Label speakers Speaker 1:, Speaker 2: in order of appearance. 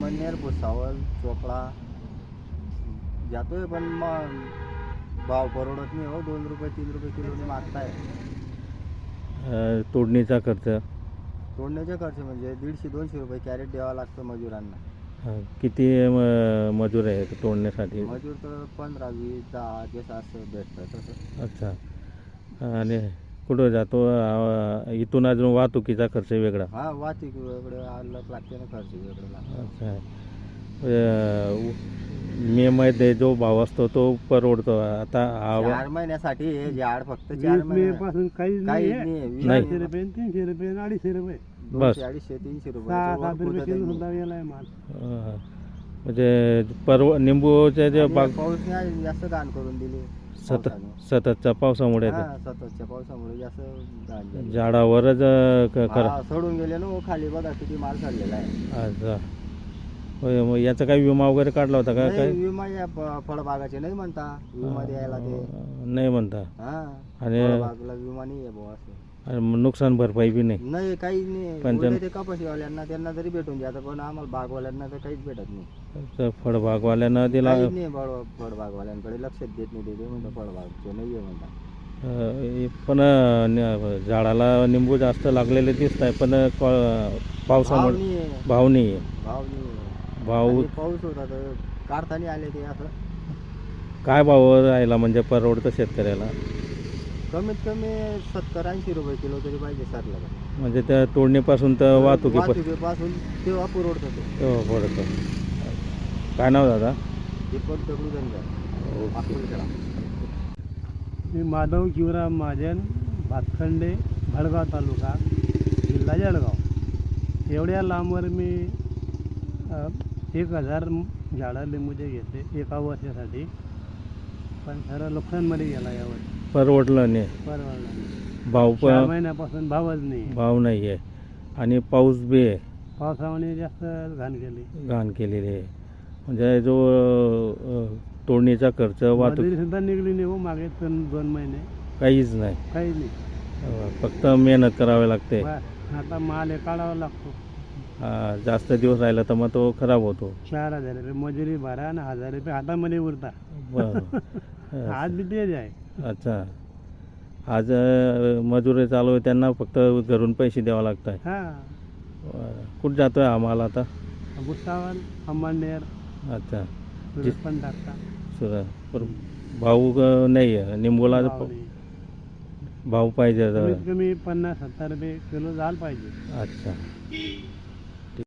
Speaker 1: अंबळनेर भुसावळ चोपडा जातोय, पण मग भाव परवडत नाही हो. 2 रुपये 3 रुपये किलोने मागताय.
Speaker 2: तोडणीचा खर्च
Speaker 1: तोडण्याचे खर्च म्हणजे 150-200 रुपये कॅरेट द्यावा लागतं मजुरांना.
Speaker 2: किती मजूर आहे तोडण्यासाठी?
Speaker 1: मजूर तर 15, 20, 10 जसं असं भेटतं तसं.
Speaker 2: अच्छा. आणि कुठं जातो? इथून अजून वाहतुकीचा खर्च वेगळा?
Speaker 1: हा, वाहतूक वेगळं अलग लागते ना, खर्च वेगळं लागतं.
Speaker 2: अच्छा. मे मध्ये जो भाव असतो तो परवडतो. आता
Speaker 1: 4 महिन्यासाठी हे झाड फक्त 4 महिने
Speaker 3: पासून काहीच
Speaker 1: काहीच
Speaker 3: नाही.
Speaker 1: नाही.
Speaker 3: 400 रुपये 300 रुपये 250 रुपये
Speaker 2: बस.
Speaker 1: 200-250-300 रुपये
Speaker 3: 6-7 रुपये किलो सुद्धा गेलाय माल.
Speaker 2: म्हणजे निंबूच्या जे बाग
Speaker 1: पाऊस नाही जास्त घाण करून दिली.
Speaker 2: सततच्या पावसामुळे
Speaker 1: हा, सततच्या पावसामुळे जास्त घाण झाली.
Speaker 2: झाडावरच
Speaker 1: हा, सोडून गेले ना हो, खाली बघा किती माल चाललेला आहे.
Speaker 2: अच्छा. होय, मग याचा काही विमा वगैरे काढला होता का?
Speaker 1: नाही,
Speaker 2: काय
Speaker 1: विमा या फळबागाचे नाही म्हणता विमा द्यायला ते.
Speaker 2: नाही म्हणता.
Speaker 1: हा,
Speaker 2: आणि
Speaker 1: फळबागला विमा नाही आहे बुवा असं.
Speaker 2: आणि मग नुकसान भरपाई बी नाही?
Speaker 1: नाही, काहीच नाही.
Speaker 2: 95
Speaker 1: उलट ते कपाशीवाल्यांना त्यांना जरी भेटून जातं, पण आम्हाला बागवाल्यांना तर काहीच भेटत नाही.
Speaker 2: तर फळबागवाल्यांना दिला
Speaker 1: काहीच नाही. फळबागवाल्यांकडे लक्षच देत नाही. ते म्हणतात फळबागचे नाही आहे म्हणतात.
Speaker 2: पण झाडाला निंबू जास्त लागलेले दिसत आहे, पण पावसामुळे भाव नाही आहे. भाव
Speaker 1: आणि पाऊस होता तर काढताना आले ते असं.
Speaker 2: काय भाव राहिला म्हणजे परवडतं शेतकऱ्याला?
Speaker 1: कमीत कमी 70-80 रुपये किलो तरी पाहिजे सरला.
Speaker 2: म्हणजे त्या तोडणीपासून तर
Speaker 1: वाहतुकीपासून तेव्हा पुरवठतं ते.
Speaker 2: तेव्हा पडतं. काय नाव दादा?
Speaker 1: दीपक दगडू धनगर, अकोलखेडा.
Speaker 3: मी माधव शिवराम महाजन, भातखंडे, भडगाव तालुका, जिल्हा जळगाव. एवढ्या लांबवर मी 1000 झाडं लिंबूचे घेतले एका वर्षासाठी, पण खरं नुकसानमध्ये गेला यावर.
Speaker 2: परवडलं नाही.
Speaker 3: परवडला
Speaker 2: भाव
Speaker 3: 4 महिन्यापासून भावच नाही.
Speaker 2: भाव नाही आहे आणि पाऊस बी आहे.
Speaker 3: पावसामुळे जास्त घाण केली.
Speaker 2: आहे. म्हणजे जो तोडणीचा खर्च वाहतूक
Speaker 3: सुद्धा निघली नाही हो मागे 2 महिने.
Speaker 2: काहीच नाही. फक्त मेहनत करावी लागते.
Speaker 3: आता माल हे काढावा लागतो.
Speaker 2: जास्त दिवस राहिला तर मग तो खराब होतो.
Speaker 3: 4000 रुपये मजुरी भरा आणि 1000 रुपये हातामध्ये उरता. आज बी तेच आहे.
Speaker 2: अच्छा. आज मजुरी चालू आहे, त्यांना फक्त घरून पैसे द्यावा लागत आहे. कुठं जातोय हा माल आता?
Speaker 3: भुसावळ, अंबळनेर.
Speaker 2: अच्छा.
Speaker 3: पण टाकता.
Speaker 2: भाऊ नाही आहे निंबूला? भाव पाहिजे
Speaker 3: कमीत कमी 50-70 रुपये किलो झालं पाहिजे.
Speaker 2: अच्छा.